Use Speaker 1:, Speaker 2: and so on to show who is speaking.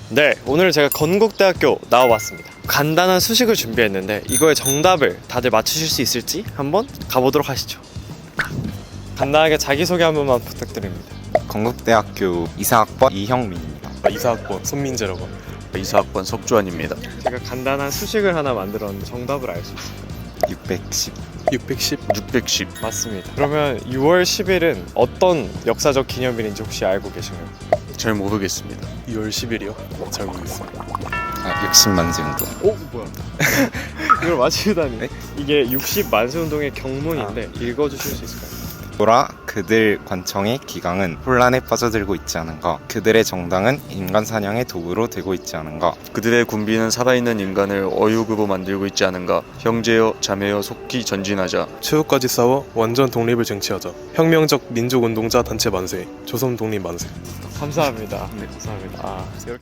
Speaker 1: 네, 오늘 제가 건국대학교 나와봤습니다. 간단한 수식을 준비했는데 이거의 정답을 다들 맞추실 수 있을지 한번 가보도록 하시죠. 간단하게 자기소개 한 번만 부탁드립니다.
Speaker 2: 건국대학교 이사학번 이형민입니다.
Speaker 3: 이사학번 손민재라고 합니다.
Speaker 4: 이사학번 석주환입니다.
Speaker 1: 제가 간단한 수식을 하나 만들었는데 정답을 알 수 있어요.
Speaker 2: 610.
Speaker 3: 610?
Speaker 4: 610.
Speaker 1: 맞습니다. 그러면 6월 10일은 어떤 역사적 기념일인지 혹시 알고 계신가요?
Speaker 4: 잘 모르겠습니다.
Speaker 3: 2월 10일이요? 잘 모르겠습니다.
Speaker 2: 60만세운동.
Speaker 1: 오, 뭐야? 이걸 맞히다니.
Speaker 2: 네?
Speaker 1: 이게 60만세운동의 경문인데 읽어주실 수 있을까요?
Speaker 2: 보라 그들 관청의 기강은 혼란에 빠져들고 있지 않은가. 그들의 정당은 인간 사냥의 도구로 되고 있지 않은가.
Speaker 4: 그들의 군비는 살아있는 인간을 어육으로 만들고 있지 않은가. 형제여 자매여 속히 전진하자.
Speaker 3: 최후까지 싸워 완전 독립을 쟁취하자. 혁명적 민족운동자 단체 만세. 조선 독립 만세.
Speaker 1: 감사합니다. 네, 감사합니다.